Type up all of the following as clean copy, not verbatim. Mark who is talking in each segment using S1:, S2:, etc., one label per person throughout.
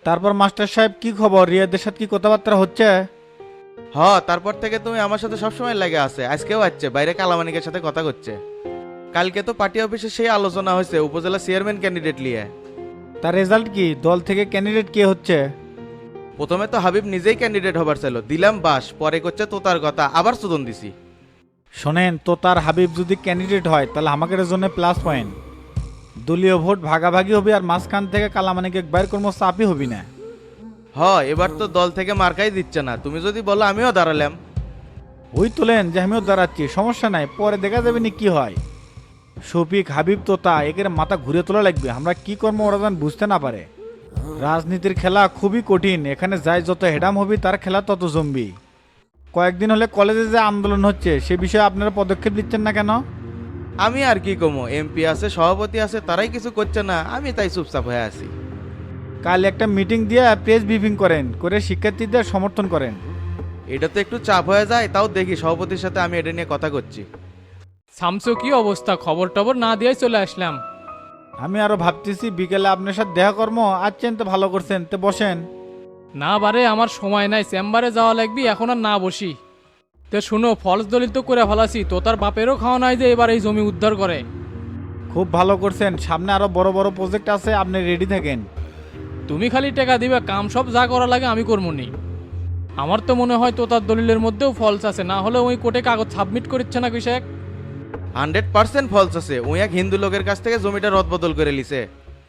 S1: তারপর মাস্টার সাহেব কি খবর, রিয়াদের সাথে কি কথাবার্তা হচ্ছে?
S2: হ, তারপর থেকে তুমি আমার সাথে সবসময় লাগে আছে, আজকেও আসছে, বাইরে কালামানিকের সাথে কথা করছে। কালকে তো পার্টি অফিসে সেই আলোচনা হয়েছে উপজেলা চেয়ারম্যান ক্যান্ডিডেট নিয়ে।
S1: তার রেজাল্ট কি, দল থেকে ক্যান্ডিডেট কে হচ্ছে?
S2: প্রথমে তো হাবিব নিজেই ক্যান্ডিডেট হবার ছিল, দিলাম বাস, পরে করছে তোতার কথা, আবার সুদন দিছি।
S1: শোনেন, তো তার হাবিব যদি ক্যান্ডিডেট হয় তাহলে আমাদের জন্য প্লাস পয়েন্ট। দলীয় ভোট ভাগাভাগি হবে আর মাঝখান থেকে কালামানিকে বাইর কর্ম চাপই হবি না।
S2: হ, এবার তো দল থেকে মার্কাই দিচ্ছে না, তুমি যদি বলো আমিও দাঁড়ালাম।
S1: ওই তোলেন যে আমিও দাঁড়াচ্ছি, সমস্যা নাই, পরে দেখা যাবে নি কি হয়। শফিক হাবিব তোতা একের মাথা ঘুরে তোলা লাগবে, আমরা কি কর্ম ওরা যেন বুঝতে না পারে। রাজনীতির খেলা খুবই কঠিন, এখানে যাই যত হেডাম হবি তার খেলা তত জমবি। কয়েকদিন হলে কলেজে যে আন্দোলন হচ্ছে সে বিষয়ে আপনারা পদক্ষেপ নিচ্ছেন না কেন?
S2: আমি আর কি কমো, এমপি আছে, সভাপতি আছে, তারাই কিছু করছে না, আমি তাই চুপচাপ হয়ে আছি।
S1: কাল একটা মিটিং দিয়ে প্রেস ব্রিফিং করেন, করে শিক্ষার্থীদের সমর্থন করেন।
S2: এটা তো একটু চাপ হয়ে যায়, তাও দেখি সভাপতির সাথে আমি এটা নিয়ে কথা করছি।
S3: শামসু কি অবস্থা, খবর টবর না দিয়ে চলে আসলাম।
S1: আমি আরো ভাবতেছি বিকেলে আপনার সাথে দেখা কর্ম, আসছেন তো ভালো করছেন, তো বসেন।
S3: না বারে আমার সময় নাই, চেম্বারে যাওয়া লাগবি, এখন আর না বসি। তো শুনো, ফলস দলিল তো করে ফেলাছি, তো তার বাপেরও খাওয়া নাই যে এবার এই জমি উদ্ধার করে।
S1: খুব ভালো করছেন, সামনে আরো বড় বড় প্রজেক্ট আছে, আপনি রেডি থাকেন।
S3: তুমি খালি টাকা দিবে, কাম সব যা করা লাগে আমি করবো নি। আমার তো মনে হয় তো তার দলিলের মধ্যেও ফলস আছে, না হলে ওই কোর্টে কাগজ সাবমিট করিচ্ছে না কৃষক।
S2: 100% ফলস আছে, ওই এক হিন্দু লোকের কাছ থেকে জমিটা রদবদল করে লিছে।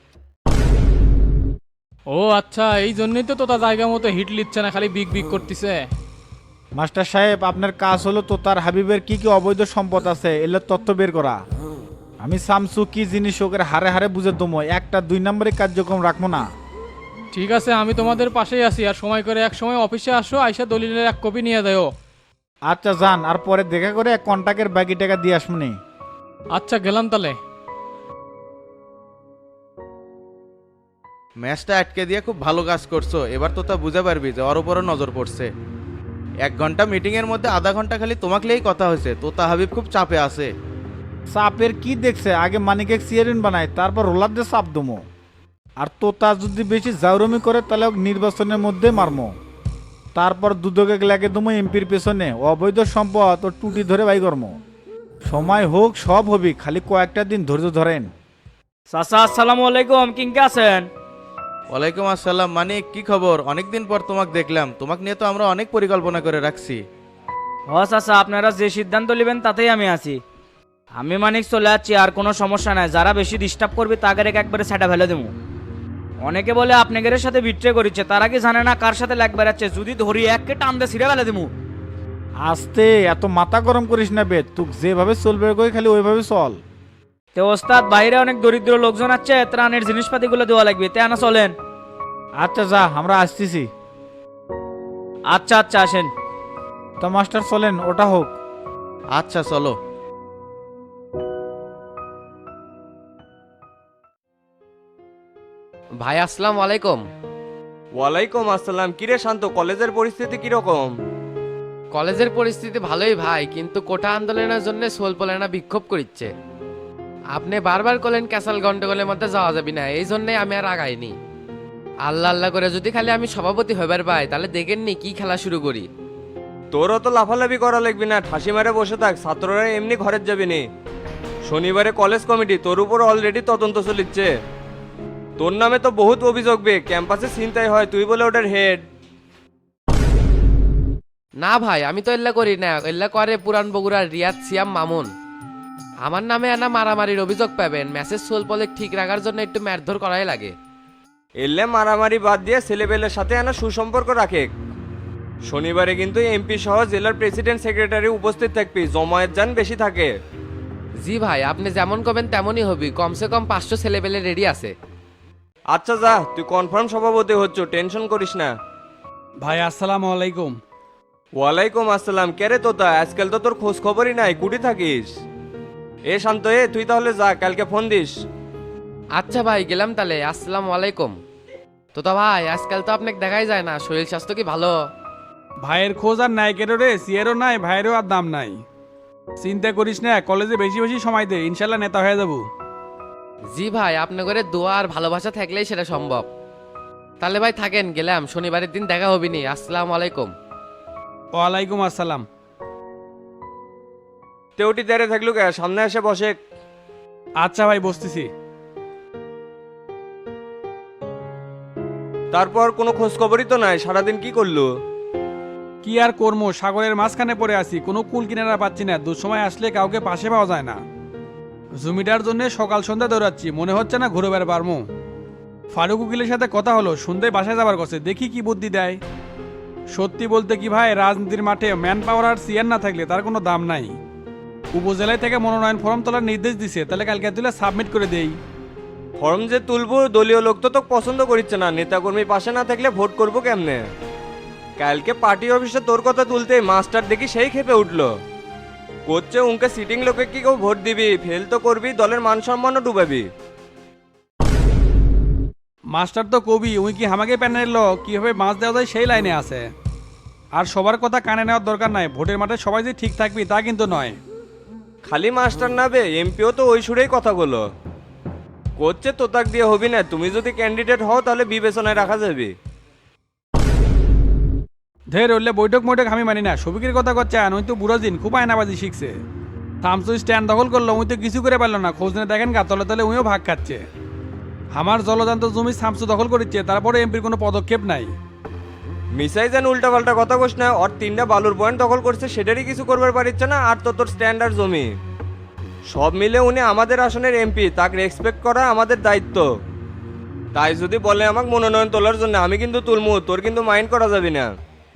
S3: ও আচ্ছা, এই জন্যই তো তোতা জায়গা মতো হিট লিচ্ছে না, খালি বিগ বিগ করতেছে।
S1: মাস্টার সাহেব, আপনার কাজ হলো তো তার হাবিবের কি কি অবৈধ সম্পদ আছে এগুলোর তথ্য বের করা। আমি শামসু কি জিনিস ওকে হারে হারে বুঝে দমো, একটা 2 নম্বরের কার্যক্রম রাখবো না।
S3: ঠিক আছে, আমি তোমাদের পাশেই আছি, আর সময় করে এক সময় অফিসে আসো, আইসা দলিলের এক কপি নিয়ে যাও।
S1: আচ্ছা যান, আর পরে দেখা করে কন্টাক্টের বাকি টাকা দিয়ে আসমনি।
S3: আচ্ছা গেলাম তাহলে।
S2: ম্যাচটা আটকে দিয়ে খুব ভালো কাজ করছো, এবার তো তা বুঝে পারবি যে ওর উপরও নজর পড়ছে। 1 ঘন্টা মিটিং এর মধ্যে আধা ঘন্টা খালি তোমাকেই কথা হয়েছে, তোতা হাবিব খুব চাপে আছে।
S1: চাপের কি দেখছে, আগে মানিকে চেয়ারম্যান বানায়, তারপর রোলার দিয়ে চাপ দমো। আর তোতা যদি বেশি জাউরমি করে তাহলে ওকে নির্বাচনের মধ্যে মারমো। তারপর দুদকে লাগে দমো এমপির পেছনে, অবৈধ সম্পদ ও টুটি ধরে বাই কর্ম। সময় হোক সব হবি, খালি কয়েকটা দিন ধৈর্য ধরেন।
S4: চাচা আসসালামু আলাইকুম, কিংকে আছেন?
S2: ওয়ালাইকুম আসসালাম মানিক, কি খবর? অনেকদিন পর তোমাকে দেখলাম, তোমাকে নিয়ে তো আমরা অনেক পরিকল্পনা করে রাখছি।
S4: চাচা, আপনারা যে সিদ্ধান্ত নেবেন তাতেই আমি আছি। আমি মানিক চলে যাচ্ছি, আর কোনো সমস্যা নাই, যারা বেশি ডিস্টার্ব করবে তাদের একবারে সেটা ফেলে দেবো। অনেকে বলে আপনাদের সাথে বিট্রে করেছে, তারা কি জানে না কার সাথে লাগ বেড়াচ্ছে, যদি ধরি এককে টান দিয়ে ছিঁড়ে ফেলে দেবো।
S1: আস্তে, এত মাথা গরম করিস না বে, তুই যেভাবে চলবে কই খালি ওইভাবে চল।
S4: তো ওস্তাদ, বাইরে অনেক দরিদ্র লোকজন আছে, ত্রাণের জিনিসপাতিগুলো দেওয়া লাগবে, তে আনা চলেন।
S1: আচ্ছা যা, আমরা আসতেছি।
S4: আচ্ছা আচ্ছা, আসেন।
S1: তো মাস্টার চলেন, ওটা হোক।
S2: আচ্ছা চলো।
S5: ভাই আসসালামু আলাইকুম।
S6: ওয়ালাইকুম আসসালাম। কিরে শান্ত, কলেজের পরিস্থিতি কিরকম?
S5: কলেজের পরিস্থিতি ভালোই ভাই, কিন্তু কোটা আন্দোলনের জন্য সোলপোলেনা বিক্ষোভ করিচ্ছে। আপনি বারবার করলেন ক্যাসাল গন্ডগোলের মধ্যে যাওয়া যাবে না, এই জন্যই আমি আর আগাইনি। আল্লাহ আল্লাহ করে যদি খালি আমি সভাপতি হইবার পাই তাহলে দেখেননি কি খেলা শুরু করি।
S6: তোরও তো লাফালাফি করা লাগবি না, ঠাসি মারে বসে থাক, ছাত্ররা এমনি ঘরের যাবি নি। শনিবারে কলেজ কমিটি তোর উপর অলরেডি তদন্ত চলিচ্ছে। তোর নামে তো বহুত অভিযোগ বে, ক্যাম্পাসে ছিনতাই হয়, তুই বলে ওটার হেড।
S5: না ভাই, আমি তো এল্লা করি না, এল্লা করে পুরান বগুড়ার রিয়াদ সিয়াম মামুন। আমার নামে আনা মারামারির অভিযোগ পাবেন, মেসেজ সোলপলে ঠিক রাখার জন্য একটু মারধর করাই লাগে।
S6: এলে মারামারি বাদ দিয়ে ছেলেপেলের সাথে আনা সুসম্পর্ক রাখে। শনিবারে কিন্তু এমপি সহ জেলার প্রেসিডেন্ট সেক্রেটারি উপস্থিত থাকবি, জমায়েত যান বেশি থাকে।
S5: জি ভাই, আপনি যেমন করবেন তেমনই হবি, কমসে কম 500 ছেলেপেলে রেডি আছে।
S6: আচ্ছা যা, তুই কনফার্ম সভাপতি হচ্ছ, টেনশন করিস না।
S7: ভাই আসসালামু আলাইকুম।
S6: ওয়ালাইকুম আসসালাম। কেরে তোতা, আজকাল তো তোর খোঁজ খবরই নাই, কুটি থাকিস? এ শান্ত, তুই তাহলে যা, কালকে ফোন দিস।
S5: আচ্ছা ভাই, গেলাম তাহলে, আসসালামু আলাইকুম। তো ভাই আজকাল তো আপনাকে দেখাই যায় না, শরীর স্বাস্থ্য কি ভালো?
S7: ভাইয়ের খোঁজ আর নাই কেন রে, সিয়ারও নাই, ভাইয়েরও আর দাম নাই। চিন্তা করিস না, কলেজে বেশি বেশি সময় দে, ইনশাল্লাহ নেতা হয়ে যাবো।
S5: জি ভাই, আপনার করে দোয়া আর ভালোবাসা থাকলেই সেটা সম্ভব। তাহলে ভাই থাকেন, গেলাম, শনিবারের দিন দেখা হবি নি। আসসালামু আলাইকুম।
S7: ওয়ালাইকুম আসসালাম।
S6: তেউটি দাঁড়িয়ে থাকলু কে, সামনে এসে বসে।
S7: আচ্ছা ভাই, বসতেছি।
S6: তারপর কোনো খোঁজ খবরই তো নাই, সারাদিন কি করলো?
S7: কি আর কর্ম, সাগরের মাঝখানে পড়ে আছি, কোনো কুল কিনারা পাচ্ছি না, দুঃসময় আসলে কাউকে পাশে পাওয়া যায় না। জমিটার জন্য সকাল সন্ধ্যা দৌড়াচ্ছি, মনে হচ্ছে না ঘুরে বেড়া পারমু। ফারুক উকিলের সাথে কথা হলো, সন্ধ্যায় বাসায় যাবার কথা, দেখি কি বুদ্ধি দেয়। সত্যি বলতে কি ভাই, রাজনীতির মাঠে ম্যান পাওয়ার আর সিয়ার না থাকলে তার কোনো দাম নাই। উপজেলায় থেকে মনোনয়ন ফর্ম তোলার নির্দেশ দিছে, তাহলে কালকে তুলে সাবমিট করে দেই।
S6: ফর্ম যে তুলবো, দলীয় লোক তো তোকে পছন্দ করিচ্ছে না, নেতাকর্মী পাশে না থাকলে ভোট করবো কেমনে? কালকে পার্টি অফিসে তোর কথা তুলতে মাস্টার দেখি সেই খেপে উঠলো, করছে উনকে সিটিং লোকে কি কেউ ভোট দিবি, ফেল তো করবি, দলের মান সম্মানও ডুবাবি।
S7: মাস্টার তো কবি, উই কি আমাকে প্যানেল লো কিভাবে মাছ দেওয়া যায় সেই লাইনে আছে। আর সবার কথা কানে নেওয়ার দরকার নাই, ভোটের মাঠে সবাই যে ঠিক থাকবি তা কিন্তু নয়।
S6: খালি মাস্টার নাবে, এমপিও তো ওই সুরেই কথাগুলো করছে, তোতাক দিয়ে হবি না, তুমি যদি ক্যান্ডিডেট হও তাহলে বিবেচনায় রাখা যাবে।
S7: ধের হলে বৈঠক মৈঠক আমি মানি না, সবিকের কথা করছে, ওই তো বুড়ো দিন খুব আয়নাবাজি শিখছে। থামসু স্ট্যান্ড দখল করলো, উই তো কিছু করে পারলো না, খোঁজ নিয়ে দেখেন গা তলে তলে উইও ভাগ খাচ্ছে। আমার জলজান্ত জমি থামসু দখল করেছে, তারপরে এমপির কোনো পদক্ষেপ নাই।
S6: মিসাই যেন উল্টা পাল্টা কথা কোস না, ওর 3টা বালুর পয়েন্ট দখল করছে, সেটারই কিছু করবার পারিচ্ছে না, আর তো তোর স্ট্যান্ডার্ড জমি সব মিলে উনি আমাদের আসনের এমপি, তাকে রেসপেক্ট করা আমাদের দায়িত্ব। তাই যদি বলে আমাকে মনোনয়ন তোলার জন্য, আমি কিন্তু তুলমু, তোর কিন্তু মাইন্ড করা যাবে না।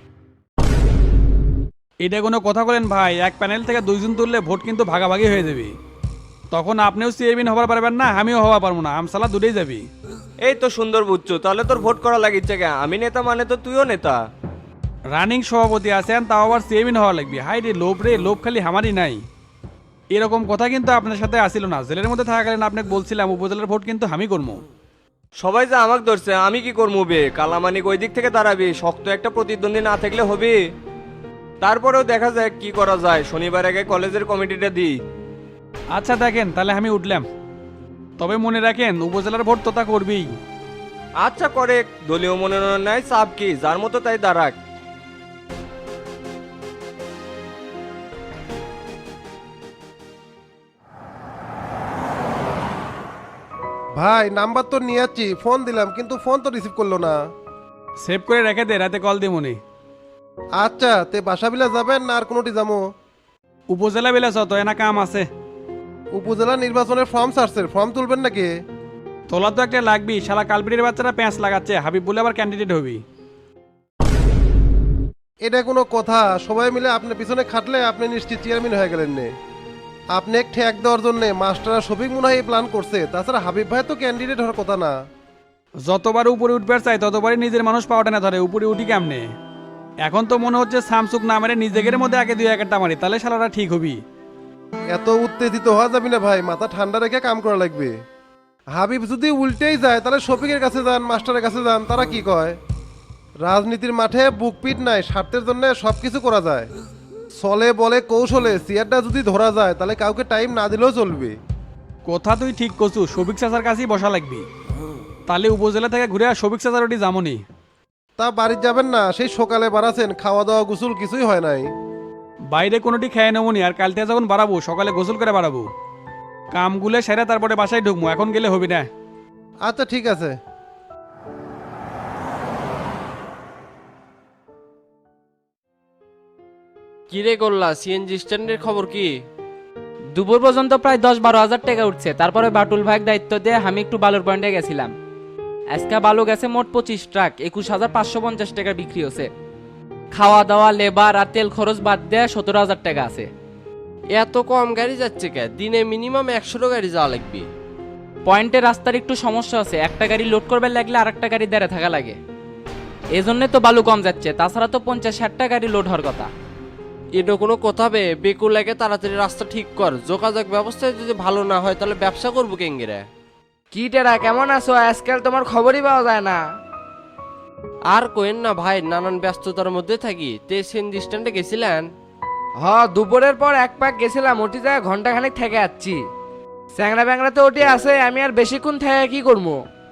S7: এটা কোনো কথা বলেন ভাই, এক প্যানেল থেকে দুইজন তুললে ভোট কিন্তু ভাগাভাগি হয়ে যাবে, তখন আপনিও চেয়ারম্যান হবার পারবেন না, আমিও হওয়া পারবো না, আমসালা দুটোই যাবি।
S6: এই তো সুন্দর বুঝছো, তাহলে তোর ভোট করা লাগিচ্ছে কে? আমি নেতা মানে তো তুইও নেতা।
S7: রানিং সভাপতি আছেন, তাও আবার চেয়ারম্যান হওয়া লাগবে, হাই রে লোভ রে, লোভ খালি হামারই নাই। এরকম কথা কিন্তু আপনার সাথে আসিল না, জেলের মধ্যে থাকাকালীন আপনাকে বলছিলাম উপজেলার ভোট কিন্তু আমি করবো।
S6: সবাই যে আমাকে ধরছে, আমি কি করবো বে? কালামানিক ওই দিক থেকে দাঁড়াবি, শক্ত একটা প্রতিদ্বন্দ্বী না থাকলে হবে। তারপরেও দেখা যায় কি করা যায়, শনিবার আগে কলেজের কমিটিটা দিই।
S7: আচ্ছা দেখেন, তাহলে আমি উঠলাম, তবে মনে রাখেন উপজেলার ভোট তো তা করবেই।
S6: আচ্ছা করে, দলীয় মনোনয়ন নাই, চাপ কি, যার মতো তাই দাঁড়াক।
S8: ভাই নাম্বার তো নিয়ে যাচ্ছি, ফোন দিলাম কিন্তু ফোন তো রিসিভ করলো না।
S7: সেভ করে রেখে দে, রাতে কল দিয়ে মনে।
S8: আচ্ছা, তে বাসা বিলা যাবেন না আর কোনোটি যাবো?
S7: উপজেলা বেলা তো এনা কাম আছে।
S8: উপজেলা নির্বাচনের ফর্ম ছাড়ছে, ফর্ম তুলবেন নাকি?
S7: তোলা তো একটা লাগবি, শালা কালপিটির বাচ্চারা প্যাঁচ লাগাচ্ছে, হাবিব বলে আবার ক্যান্ডিডেট হবি।
S8: এটা কোনো কথা? সবাই মিলে আপনার পিছনে খাটলে আপনি নিশ্চিত চেয়ারম্যান হয়ে গেলেন নে। আপনি এক ঠেক দেওয়ার জন্য মাস্টাররা শফিক মনে হয় প্ল্যান করছে, তাছাড়া হাবিব ভাই তো ক্যান্ডিডেট হওয়ার কথা না।
S7: যতবার উপরে উঠবার চাই ততবারই নিজের মানুষ পাওয়াটা না ধরে, উপরে উঠি কেমনে? এখন তো মনে হচ্ছে সামসুক না মেরে নিজেদের মধ্যে আগে দুই একটা মারি, তাহলে শালারা ঠিক হবি।
S8: এত উত্তেজিত হওয়া যাবে না ভাই, মাথা ঠান্ডা রেখে কাম করা লাগবে। হাবিব যদি উল্টেই যায় তাহলে শফিকের কাছে যান, মাস্টারের কাছে যান, তারা কি কয়? রাজনীতির মাঠে বুকপিট নাই, স্বার্থের জন্য সব কিছু করা যায়। চলে বলে কৌশলে চেয়ারটা যদি ধরা যায় তাহলে কাউকে টাইম না দিলেও চলবে।
S7: কথা তুই ঠিক করছু, শফিক চাচার কাছেই বসা লাগবি, তাহলে উপজেলা থেকে ঘুরে শফিক চাচার ওটি যামনি।
S8: তা বাড়ির যাবেন না? সেই সকালে বাড়াছেন, খাওয়া দাওয়া গোসল কিছুই হয় নাই।
S7: বাইরে কোনোটি খেয়ে নেবনি, আর কাল থেকে যখন বাড়াবো সকালে গোসল করে বাড়াবো, কামগুলো সেরে তারপরে বাসায় ঢুকবো, এখন গেলে হবি না।
S8: আচ্ছা ঠিক আছে।
S5: কি রে করলা, সিএনজি স্ট্যান্ডের খবর কি?
S9: দুপুর পর্যন্ত প্রায় 10-12 হাজার টাকা উঠছে, তারপরে বাটুল ভাইয়ের দায়িত্ব দিয়ে আমি একটু বালুর পয়েন্টে গেছিলাম। আজকে বালু গেছে মোট 25 ট্রাক, 21,550 টাকা বিক্রি হচ্ছে। খাওয়া দাওয়া, লেবার আর তেল খরচ বাদ দিয়ে 17,000 টাকা আছে।
S5: এত কম গাড়ি যাচ্ছে কে? দিনে মিনিমাম 100 গাড়ি যাওয়া লাগবে।
S9: পয়েন্টে রাস্তার একটু সমস্যা আছে, একটা গাড়ি লোড করবে লাগলে আর একটা গাড়ি দাঁড়ে থাকা লাগে, এজন্য তো বালু কম যাচ্ছে, তাছাড়া তো 50-60টা গাড়ি লোড হওয়ার কথা।
S5: এটা কোনো কথা বে? বেকুল লাগে, তাড়াতাড়ি রাস্তা ঠিক কর, যোগাযোগ ব্যবস্থা যদি ভালো না হয় তাহলে ব্যবসা করবো কেঙ্গিরে।
S4: কি টেরা, কেমন আছো? আজকাল তোমার খবরই পাওয়া যায় না।
S5: আর কোয়েন না ভাই, নানান ব্যস্ততার মধ্যে থাকি। তে সিএনজি স্ট্যান্ডে গেছিলেন?
S4: হ, দুপুরের পর এক পাক গেছিলাম, ওটি জায়গায় ঘন্টাখানেক থেকে আসছি। চ্যাংরা ব্যাংরা তো ওটি আছে, আমি আর বেশিক্ষণ থেকে কি করবো?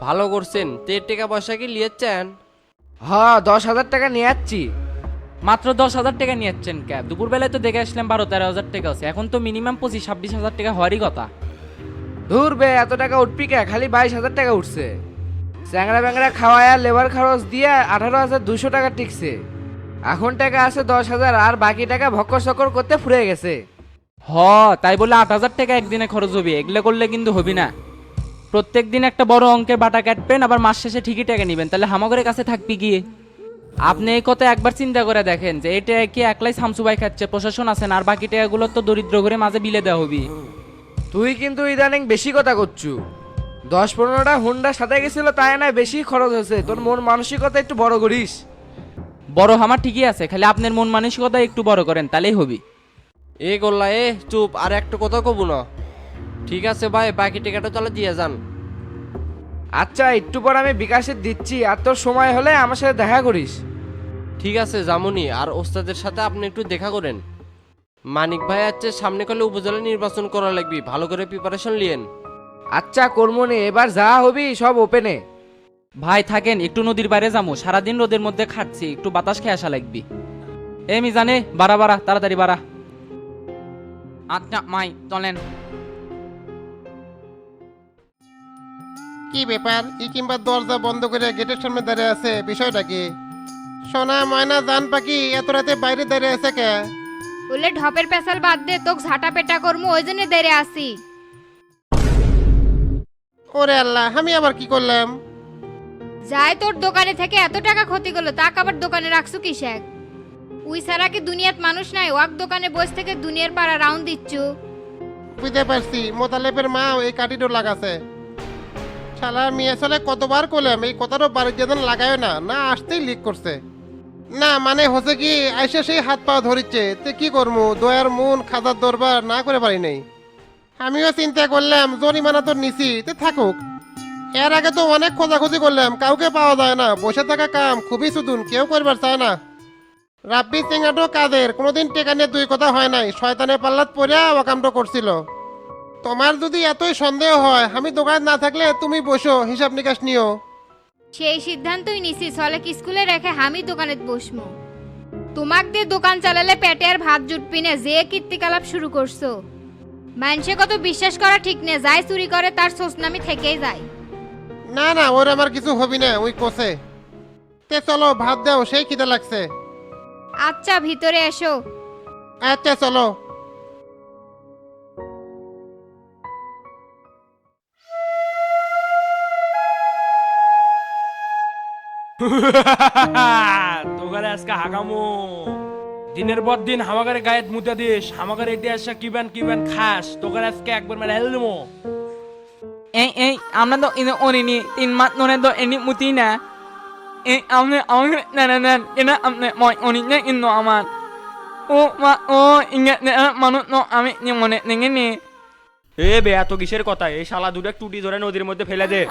S5: ভালো করছেন, তের টাকা পয়সা কি লিয়েছেন?
S10: হ্যাঁ 10,000 টাকা নিয়ে যাচ্ছি।
S9: মাত্র 10,000 টাকা নিয়েছেন ক্যাব? দুপুরবেলায় তো দেখে আসলাম 12-13 হাজার টাকা আছে, এখন তো মিনিমাম 25-26 হাজার টাকা হওয়ারই কথা।
S10: ধুর বে, এত টাকা উঠবি কে? খালি 22,000 টাকা উঠছে। চ্যাংড়া ব্যাংড়া খাওয়ায় লেবার খরচ দিয়ে 18,200 টাকা টিকছে। এখন টাকা আছে 10,000, আর বাকি টাকা ভক্কর চক্কর করতে ফুরে গেছে।
S9: তাই বলে 8,000 টাকা একদিনে খরচ হবে? এগুলো করলে কিন্তু হবি না। প্রত্যেক দিন একটা বড় অঙ্কের বাটা কাটবেন, আবার মাস শেষে ঠিকই টাকা নেবেন, তাহলে হামাগরের কাছে থাকবি গিয়ে। আপনি এই কথা একবার চিন্তা করে দেখেন যে এটা কি একলাই শামসুবাই খাচ্ছে, প্রশাসন আছেন, আর বাকি টাকাগুলো তো দরিদ্র করে মাঝে বিলে দেওয়া হবি।
S10: তুই কিন্তু ইদানিং বেশি কথা করছু। 10-15টা হুন্ডা সাথে গেছিল, তাই না বেশি খরচ হয়েছে। তোর মন মানসিকতা একটু বড় করিস।
S9: বড় আমার ঠিকই আছে, খালি আপনার মন মানসিকতা একটু বড় করেন, তাহলেই হবি।
S5: এ গোল্লা এ চুপ, আর একটা কথা কব না। ঠিক আছে ভাই, বাকি টাকাটা তাহলে দিয়ে যান।
S10: আচ্ছা, একটু পর আমি বিকাশে দিচ্ছি, আর তোর সময় হলে আমার সাথে দেখা করিস।
S5: ঠিক আছে জামুনি, আর ওস্তাদের সাথে আপনি একটু দেখা করেন। মানিক ভাই আছে সামনে কালে উপজেলা নির্বাচন করা লাগবে, ভালো করে প্রিপারেশন লিয়েন।
S10: আচ্ছা কর্মনি, এবার যা হবি সব ওপেনে।
S9: ভাই থাকেন, একটু নদীর বাইরে যাবো, সারাদিন রোদের মধ্যে খাটছি, একটু বাতাস খেয়ে আসা লাগবি। এ মিজানে, বাড়া তাড়াতাড়ি বাড়া। আচ্ছা মাই চলেন।
S8: কি ব্যাপার? ই কিংবা দরজা বন্ধ করে গেটের সামনে দাঁড়িয়ে আছে, বিষয়টা কি? সোনা ময়না জান পাখি এত রাতে বাইরে দাঁড়িয়ে আছে কে?
S11: বলে ঢপের পেশাল বাদ দে, তোক ঝাঁটা পেটা করমু, ওই জন্য দেরে আসি।
S8: ওরে আল্লাহ, আমি আবার কি করলাম?
S11: যাই তোর দোকানে থেকে এত টাকা ক্ষতি করলো, তাক আবার দোকানে রাখছু কিসেক? উই সারা কি দুনিয়াত মানুষ নাই? ওয়াক দোকানে বসে থেকে দুনিয়ার পাড়া রাউন্ড দিচ্ছু।
S8: বুঝতে পারছি, মোতালেবের মা এই কাটিটো লাগাছে। শালা মেয়ে ছেলে কতবার করলাম এই কথাটা বাড়ির যেন লাগায় না, না আসতেই লিক করছে। না মানে হচ্ছে কি, আইসে সেই হাত পা ধরিচ্ছে, তে কি করবো? দয়ার মন খাজার দরবার না করে পারি নাই। আমিও চিন্তা করলাম জরিমানা তো নিছি, তে থাকুক। এর আগে তো অনেক খোঁজাখুঁজি করলাম, কাউকে পাওয়া যায় না। বসে থাকা কাম খুবই সুদুন, কেউ করবার চায় না। রাব্বি সিংহাটো কাদের কোনোদিন টেকা নিয়ে দুই কথা হয় নাই, শয়তানের পাল্লাত পড়িয়া ওয়াকামটো করছিল। তোমার যদি এতই সন্দেহ হয়, আমি দোকান না থাকলে তুমি বসো, হিসাব নিকাশ নিও।
S11: সেই সিদ্ধান্তই নিছি, চলে কি স্কুলে রেখে আমি দোকানে বসমু। তোমাক দিয়ে দোকান চালালে পেটে আর ভাত জুটবি না, যে কীর্তিকলাপ শুরু করছো। মানুষে কত বিশ্বাস করা ঠিক নেই, যাই চুরি করে তার সোসনামি থেকেই যায়।
S8: না না, ওর আমার কিছু হবি না, ওই কোসে। তে চলো ভাত দাও, সেই খিদে লাগছে।
S11: আচ্ছা ভিতরে এসো।
S8: আচ্ছা চলো।
S12: তোগারে আজকে হাগামো দিনের পর দিন হামাগারে গায়ে মুতে দিস, হামাগারে এটি আসা কিবেন খাস, তোগারে আজকে একবার মেরে হেল দেবো।
S9: এই আমরা তো ইনো অনিনি 3 মাস ধরে তো এনি মুতি না। এই আপনি না এনা আপনি মই অনি না ইনো আমার ও মা ও ইঙ্গে মানুষ ন আমি মনে নেঙে নে।
S6: এ বে, এত কিসের কথা? এই শালা দুটো টুটি ধরে নদীর মধ্যে ফেলে দে।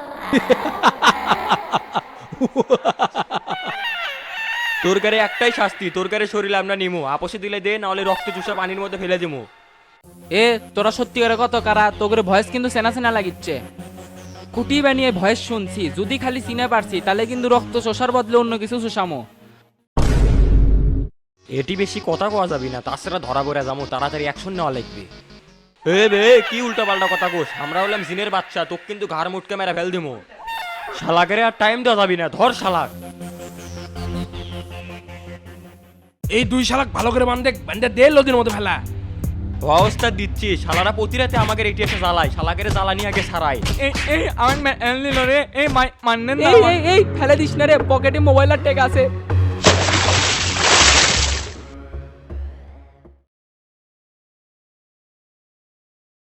S6: তোর কারে একটাই শাস্তি, তোর কারে শরীরে আমরা নিমু, আপসে দিলে দে, না হলে রক্ত চুষা পানির মধ্যে ফেলে দিমু।
S9: তোরা সত্যি করে কত কারা? তোর ভয়েস কিন্তু সেনা লাগিচ্ছে। কুটি বানিয়ে ভয়েস শুনছি, যদি খালি চিনে পারছি তাহলে কিন্তু রক্ত শোষার বদলে অন্য কিছু শোষামো।
S6: এটি বেশি কথা কওয়া যাবি না, তাছাড়া ধরা পড়ে যাবো, তাড়াতাড়ি অ্যাকশন নেওয়া লাগবে। এ বে, কি উল্টা পাল্টা কথা কোস? আমরা হলাম জিনের বাচ্চা, তোকে কিন্তু ঘাড় মুটকে মেরে ফেল দিমু। শালাকেরে আর টাইম দেওয়া যাবি না, ধর শালাক।
S12: এই 2 শালাক ভালো করে বান্ধে দে নদীর মধ্যে ফেলা।
S6: অবস্থা দিচ্ছি, শালারা প্রতি রাতে আমাকে এটি এসে জ্বালায়, শালাকেরে জ্বালানি আগে ছাড়াই।
S9: এই আমার রে এই মান্নেন না, এই ফেলে দিস না রে, পকেটে মোবাইল আর টেক আছে।